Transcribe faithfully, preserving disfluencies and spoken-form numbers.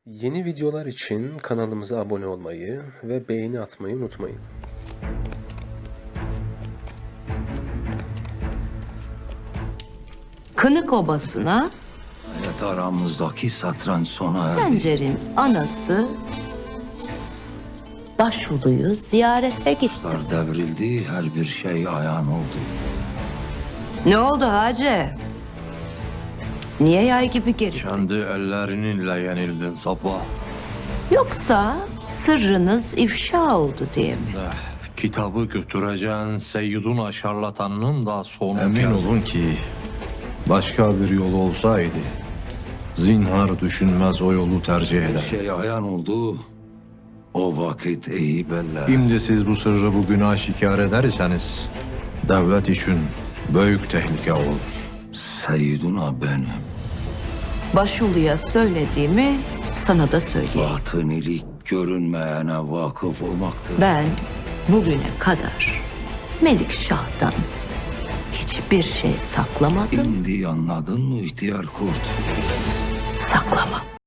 Yeni videolar için kanalımıza abone olmayı ve beğeni atmayı unutmayın. Kınık Obası'na Evet, aramızdaki satranç sona erdi. Sencer'in anası Başulu'yu ziyarete gitti. Kuşlar devrildi, her bir şey ayağın oldu. Ne oldu Hacı? Niye yay gibi geri? Kendi ellerininle yenildin sabah. Yoksa sırrınız ifşa oldu diye mi? Eh, kitabı götüreceğin Seyyidun şarlatanının da sonu Emin geldi. olun ki başka bir yol olsaydı zinhar düşünmez o yolu tercih Bir eder. şey ayağın oldu. O vakit iyi belli. Şimdi siz bu sırrı bugün aşikar ederseniz devlet için büyük tehlike olur. Seyyiduna benim. Başulu'ya söylediğimi sana da söyleyeyim. Batınilik görünmeyene vakıf olmaktır. Ben bugüne kadar Melik Şah'tan hiçbir şey saklamadım, Şimdi anladın mı ihtiyar kurt? saklamam.